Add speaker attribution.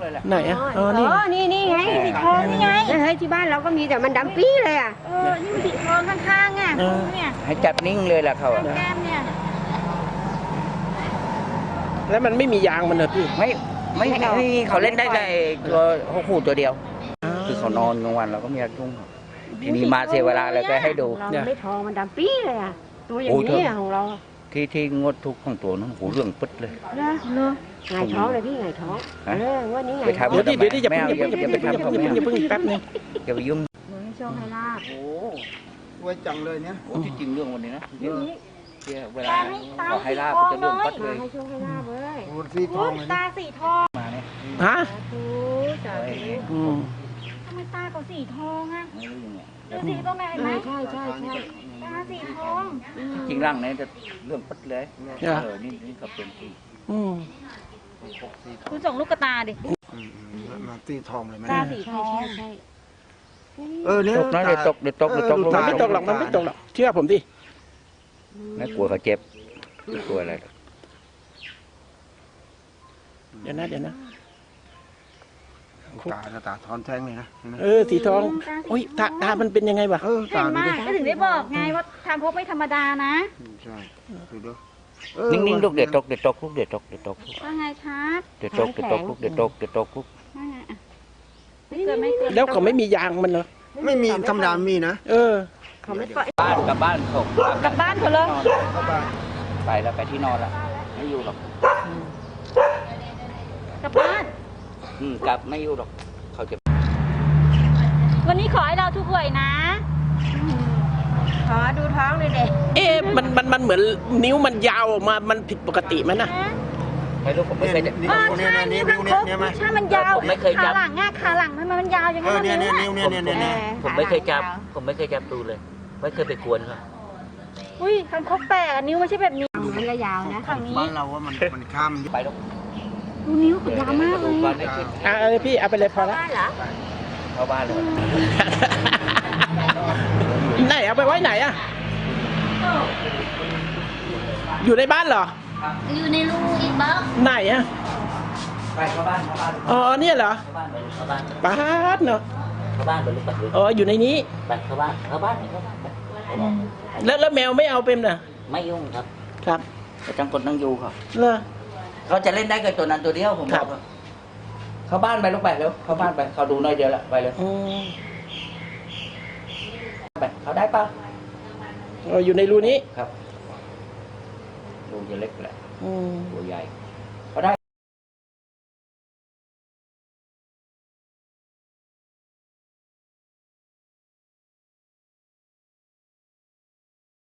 Speaker 1: เลยแหละ
Speaker 2: ไหนอ่ะอ๋อ
Speaker 3: นี่ไงสีทองนี่ไงเฮ้ยที่บ้านเราก็มีแต่มันดำปี๊เลยอ่ะ
Speaker 4: นี่มันสีทองข้างๆอ่ะเนี่ย
Speaker 1: ให้จับนิ่งเลยแหละเขา
Speaker 4: แก้มเนี่ย
Speaker 2: แล้วมันไม่มียางมันเหรอพี่
Speaker 1: ไม่เขาเล่นได้แต่ตัวคู่ตัวเดียวคือเขานอนกลางวันเราก็ไม่อยากยุ่งทีนี้มาเสียเวลาเลยก็ให้ดู
Speaker 3: เราไม่ทองมันดำปี๊เลยอ่ะตัวอย่างนี้ของเรา
Speaker 1: ที่งดทุกของตัวนั้นโหเรื่องปึ๊ดเลย
Speaker 3: เนาะไงท้องเลยพี่ไงท้องว่านี้ไง
Speaker 2: เดี๋ยวอย่าไปทำอย่าเพิ่งแป๊บนึง
Speaker 1: อย่าไปยุ่ง
Speaker 3: ให้โชคให้ลาบ
Speaker 1: โอ้ไว้จังเลยเนี่ยโอ้ที่จริงเรื่องวันนี้นะเวลาขอให้ลาบจะเรื่องปัดเลย
Speaker 3: ให้โชคให้ลาบเลย
Speaker 4: สีทองตาสีทอง
Speaker 1: มาเนี่ย
Speaker 2: ฮะ
Speaker 4: ทำไมตาเขาสีทองอ่ะดูสีตรงไหนไหม
Speaker 3: ใช่
Speaker 4: ตาสีทอง
Speaker 1: จริงร่างนี้จะเรื่องปัดเลยนี่ก็เป็นที่
Speaker 4: คุณส่งลูกกระตาดิ
Speaker 5: มาสีทองเลยไหม
Speaker 4: ตาสีทอง
Speaker 3: ใช่
Speaker 5: เนี่ย
Speaker 1: ตกนะเดี๋ยวตก
Speaker 2: มันไม่ตกหรอกเชื่อผมดิ
Speaker 1: ไม่กลัวเขาเจ็บไม่กลัวอะไร
Speaker 2: เดี๋ยวนะ
Speaker 5: ตาทอนแท่งเลยนะ
Speaker 2: สีทองโอ้ยตามันเป็นยังไงวะ
Speaker 4: เห็นมากก็ถึงได้บอกไงว่าทางพบไม่ธรรมดานะ
Speaker 5: ใช่ดู
Speaker 1: นิ่งๆลูกเด็ดตกลูก
Speaker 4: ว่าไงครับ
Speaker 1: เด็ดตกลูกเด็ดตกลูก
Speaker 2: แล้วเขาไม่มียางมันเหรอ
Speaker 5: ไม่มีธรรมดามีนะ
Speaker 3: เขาไม่ปล่อย
Speaker 1: กลับบ้านเขา
Speaker 4: กลับบ้านเขาเลย
Speaker 1: ไปแล้วไปที่นอนแล้วไม่อยู่หรอก
Speaker 4: กลับบ้าน
Speaker 1: กลับไม่อยู่หรอกเขาจะ
Speaker 4: วันนี้ขอให้เราทุกหวยนะ
Speaker 3: ขอดูท้องเลยเด็ก
Speaker 2: มันเหมือนนิ้วมันยาวออกมามันผิดปกติไหมนะ
Speaker 1: ไม่รู้ผมไม่เคยจับ
Speaker 4: ใช่นี่มันครบใช่มันยาวขาหลังขาหลังทำไมมันยาวอย่างนั้น
Speaker 5: เนี่ย
Speaker 1: ผมไม่เคยจับดูเลยไม่เคยไปกวนเขา
Speaker 4: อุ้ยคันคกแปลกนิ้วไม่ใช่แบบนี้
Speaker 3: มันก็ยาวนะ
Speaker 4: ฝั่งนี้
Speaker 5: บ้านเราว่ามันข้าม
Speaker 1: ไปแล้ว
Speaker 4: ดูนิ้วมันยาวมากเลย
Speaker 2: พี่เอาไปเลยพอแล้ว
Speaker 1: เข้าบ้านเลย
Speaker 2: ไหนเอาไปไว้ไหนอะอยู่ในบ้านเหรอ
Speaker 4: อยู่ในรูอีกบ้าง
Speaker 2: ไหนอะ
Speaker 1: ไปเข้าบ้าน
Speaker 2: อ๋อเนี่ยเหรอ
Speaker 1: บ้าน
Speaker 2: เนาะ
Speaker 1: เข้าบ้านไปลูกไป
Speaker 2: อ๋ออยู่ในนี้
Speaker 1: ไปเข้าบ้าน
Speaker 2: แล้วแมวไม่เอาเป็นน่ะ
Speaker 1: ไม่ยุ่งครับ
Speaker 2: ครับ
Speaker 1: แต่จังกดนั่งอยู่ครับ
Speaker 2: เขา
Speaker 1: จะเล่นได้กับตัวนั้นตัวเดียวผมบอกเข้าบ้านไปลูกไปแล้วเข้าบ้านไปเขาดูหน่อยเดียวละไปเลยไปเขาได้ป่ะ
Speaker 2: อยู่ในรูนี้
Speaker 1: ครับรูจะเล็กแหละตัวใหญ่